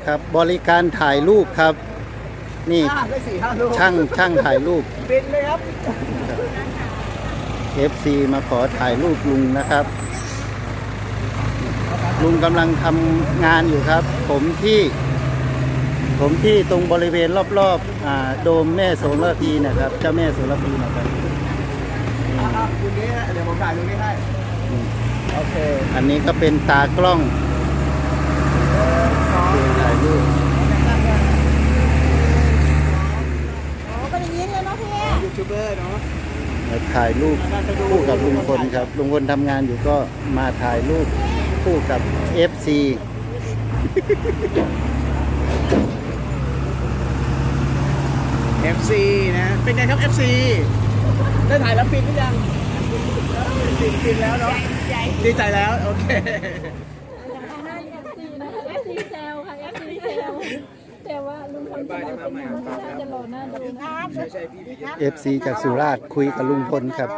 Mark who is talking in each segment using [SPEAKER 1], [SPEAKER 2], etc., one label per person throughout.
[SPEAKER 1] ครับบริการถ่ายรูปครับนี่
[SPEAKER 2] ได้4-5 ลูก
[SPEAKER 1] ช่างถ่ายรูป
[SPEAKER 2] บินเลยครับ
[SPEAKER 1] FC มาขอถ่ายรูปลุงนะครับ ลุงกำลังทำงานอยู่ครับ ผมที่ตรงบริเวณรอบๆโดมแม่โสระพีนะครับเจ้าแม่โสระพีนะครับ
[SPEAKER 2] คุณนี้เดี๋ยวผมถ่ายตรงนี้ให้โอเค
[SPEAKER 1] อันนี้ก็เป็นตากล้องถ่ายรูป
[SPEAKER 3] เป็นอย่างนี้เลยเนาะพี่
[SPEAKER 2] ยูทูบเบอร์เนาะ
[SPEAKER 1] ถ่ายรูปคู่กับลุงพลครับลุงพลทำงานอยู่ก็มาถ่ายรูปคู่กับ FC
[SPEAKER 2] FC นะเป็นไงครับ FC ได้ถ่ายแล้วฟินหรือยังฟินแล้วเนาะดีใจแล้วโอเค
[SPEAKER 3] FC เซลค่ะ FC เซลแต่ว่าลุงพลจะเป็นอย่างนี้น่าจะหล่อหน้าดูนะ
[SPEAKER 1] FC จากสุราษฎร์คุยกับลุงพลครับ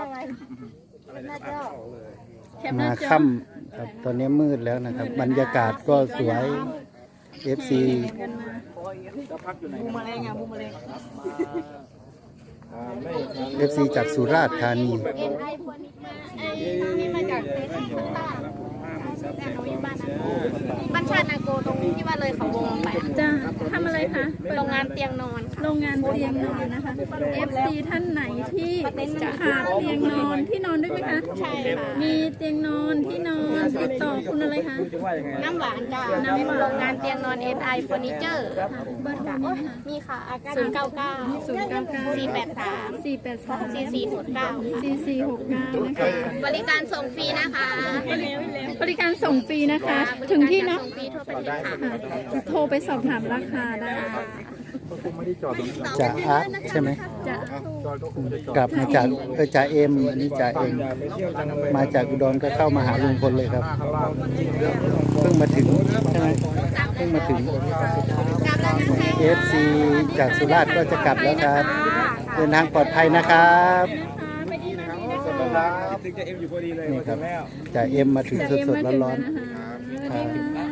[SPEAKER 1] มาค่ำครับตอนนี้มืดแล้วนะครับบรรยากาศก็สวย FC
[SPEAKER 2] บูมมาเลยไงบูมมาเลย
[SPEAKER 1] FC จากสุราษฎร์ธานี
[SPEAKER 3] นี่มาจากเฟซบุ๊กแต่หนูอยู่บ้านชาตินาโกตรงที่ว่าเลยเขาวงไป
[SPEAKER 4] จะทำอะไรคะ
[SPEAKER 3] โรงงานเตียงนอน
[SPEAKER 4] โรงงานเตียงนอนนะคะ FC ท่านไหนที่ขาดเตียงนอนที่นอนด้วยไหมคะ
[SPEAKER 3] ใช่ค่ะ
[SPEAKER 4] มีเตียงนอนที่นอนติดต่อคุณอะไรคะ
[SPEAKER 3] น้ำหวานจ้าโรงงานเตียงนอน SI เฟอร์นิเจอร์
[SPEAKER 4] เบอร์โทรนี้ค่ะ
[SPEAKER 3] มีค่ะ099 483
[SPEAKER 4] 482
[SPEAKER 3] 4469
[SPEAKER 4] 4469นะคะ
[SPEAKER 3] บริการส่งฟรีนะคะ
[SPEAKER 4] บริการส่งฟรีนะคะ ถึงที่เนาะ
[SPEAKER 3] ส่งฟรีทั่วประเทศค่ะ
[SPEAKER 4] ค่ะโทรไปสอบถามราคาได้
[SPEAKER 1] จ่าอาร์ตใช่ไหม
[SPEAKER 4] จะ
[SPEAKER 1] กลับมาจากจ่าเอ็มอันนี้จ่าเอ็มมาจากอุดรก็เข้ามาหาลุงพลเลยครับเพิ่งมาถึงใช่ไหมเพิ่งมาถึง FC จากสุราษฎร์ก็จะกลับแล้วครับเดินทางปลอดภัยนะครับ
[SPEAKER 2] ถึงจะเอ็มอยู่พอดีเลย
[SPEAKER 1] นี่ครับจ่าเอ็มมาถึงสดๆร้อนๆครับ